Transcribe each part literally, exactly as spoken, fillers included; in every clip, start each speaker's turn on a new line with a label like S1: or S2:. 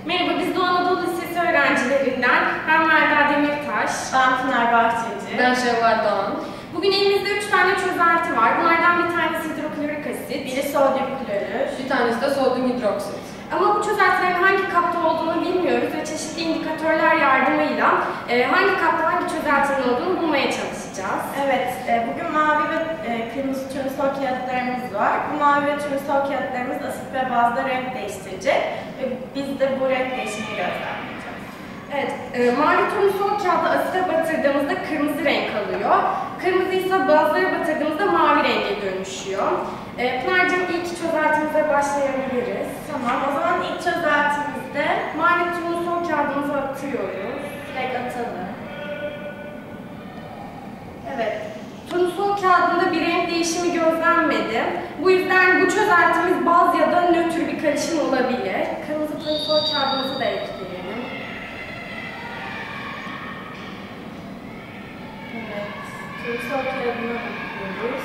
S1: Merhaba, biz Doğu Anadolu Lisesi öğrencilerinden. Ben Melda Demirtaş.
S2: Ben Pınar Bahçeci.
S3: Ben Şevval Doğan.
S1: Bugün elimizde üç tane çözelti var. Bunlardan bir tanesi hidroklorik asit,
S2: Biri sodyum klorür.
S3: Bir tanesi de sodyum hidroksit.
S1: ama bu çözeltilerin hangi kapta olduğunu bilmiyoruz ve çeşitli indikatörler yardımıyla e, hangi kapta hangi çözeltinin olduğunu bulmaya çalışacağız.
S2: Evet, e, bugün mavi ve e, kırmızı turnusol kağıtlarımız var. Bu mavi ve turnusol kağıtlarımız asit ve bazda renk değiştirecek ve biz de bu renk değişimini gözlemleyeceğiz.
S1: Evet, e, mavi turnusol kağıdı asite batırdığımızda kırmızı renk alıyor. Kırmızı ise bazlara batırdığımızda mavi renge dönüşüyor. E, Pınar'cığım ilk çözeltimize başlayabiliriz.
S2: Tamam, o zaman ilk çözeltimizde
S1: Mavi turnusol kağıdımızı atıyoruz.
S2: direkt atalım.
S1: Evet, turnusol kağıdında bir renk değişimi gözlenmedi. Bu yüzden bu çözeltimiz baz ya da nötr bir karışım olabilir. Kırmızı turnusol kağıdımızı da ekleyelim.
S2: Evet, turnusol kağıdına bakıyoruz.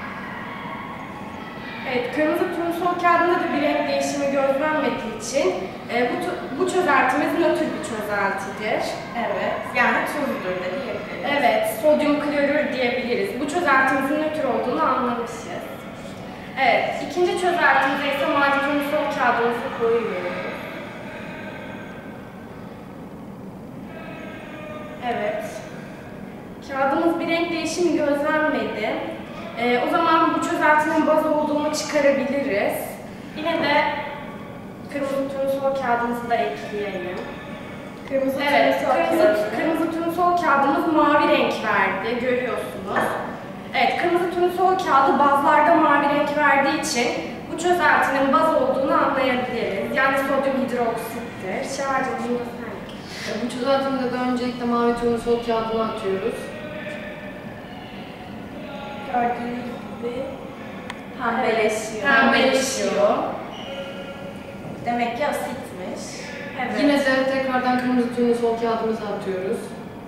S1: Evet, kırmızı turnusol kağıdında da bir renk değişimi gözlenmediği için e, bu, bu çözeltimiz nötr bir çözeltidir.
S2: Evet, yani tuzdur da diyebiliriz.
S1: Evet, sodyum klorür diyebiliriz. Bu çözeltimizin nötr olduğunu anlamışız. Evet, ikinci çözeltimize ise mavi turnusol kağıdımızı koyuyoruz. Evet, kağıdımız bir renk değişimi gözlenmedi. Ee, o zaman bu çözeltinin baz olduğunu çıkarabiliriz. Yine de kırmızı turnusol kağıdımızı da ekleyelim.
S2: Kırmızı
S1: Evet,
S2: turnusol
S1: kırmızı,
S2: kağıdı.
S1: kırmızı turnusol kağıdımız mavi renk verdi, görüyorsunuz. Evet, kırmızı turnusol kağıdı bazlarda mavi renk verdiği için bu çözeltinin baz olduğunu anlayabiliriz. Yani sodyum hidroksittir. Şevval'cığım bunu da sen ek.
S3: Bu çözeltimizde de öncelikle mavi turnusol kağıdını atıyoruz.
S2: Gördüğünüz gibi pembeleşiyor.
S1: Pembeleşiyor.
S2: Demek ki asitmiş.
S1: Evet.
S3: Yine de tekrardan kırmızı turnusol kağıdımızı atıyoruz.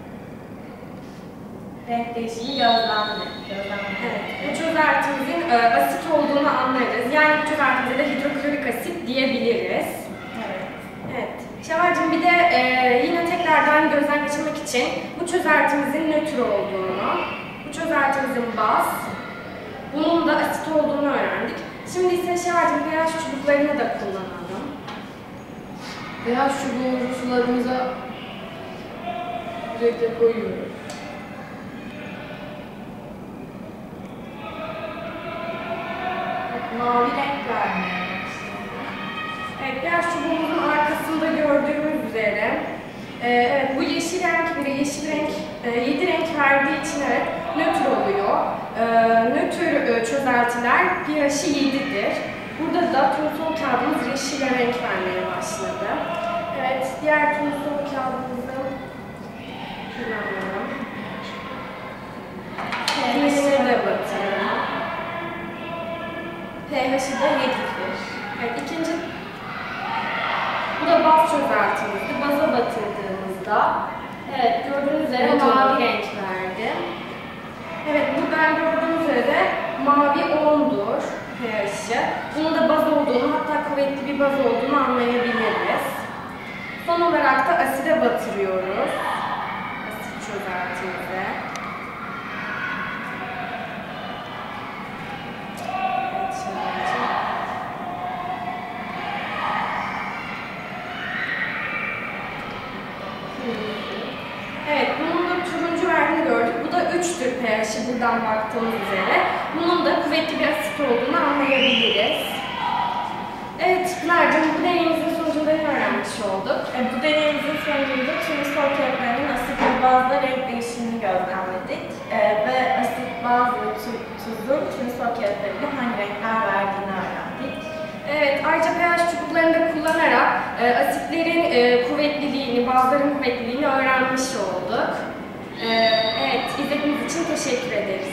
S2: Renk değişimi gözlemli. Gözlemli.
S1: Evet, bu çözeltimizin e, asit olduğunu anlarız. Yani bu çözeltimize de hidroklorik asit diyebiliriz.
S2: Evet.
S1: Evet. Şevval'cığım bir de e, yine tekrardan gözden geçirmek için bu çözeltimizin nötr olduğunu, bu çözeltimizin baz, bunun da asit olduğunu öğrendik. Şimdi ise Şevval'cığım pH çubuklarını da kullanalım.
S3: pH çubuğumuzu sularımıza sürekli koyuyoruz.
S2: Mavi renk vermeye başladı.
S1: Evet, pH çubuğumuzun arkasında gördüğümüz üzere, e, evet bu yeşil renk biri yeşil renk, e, yedi renk verdiği için evet nötr oluyor. E, nötr e, çözeltiler pH'i yedidir. Burada da turnusol kağıdımız yeşil renk vermeye başladı. Evet, diğer turnusol kağıdımızı kullanalım. pH'ine de batıralım. pH'i de yedidir. Evet, ikinci bu da baz çözeltimizdi. Baza batırdığımızda evet gördüğünüz üzere
S3: Evet,
S1: mavi
S3: oldu.
S1: renk verdi. Evet, buradan gördüğünüz üzere mavi ondur pH'i. Bunun da baz olduğunu, hatta kuvvetli bir baz olduğunu anlayabiliriz. Son olarak da aside batırıyoruz. Asit çözeltimize. Evet, şöyle. Evet, bunun da turuncu verdiğini gördük. Bu da üçtür pH'i buradan baktığımız üzere. Bunun da kuvvetli bir asit olduğunu anlayabiliriz. Evet, Pınar'cığım bu deneyimizin sonucunda ne öğrenmiş olduk?
S2: E, bu deneyimizin sonucunda turnusol kağıtlarının asit ve bazda renk değişimini gözlemledik. E, ve asit, baz ve tu tuzun turnusol kağıtlarında hangi renkler verdiğini öğrendik.
S1: Evet, ayrıca pH çubuklarını da kullanarak e, asitlerin e, kuvvetliliğini, bazların kuvvetliliğini öğrenmiş olduk. E, evet, izlediğiniz için teşekkür ederiz.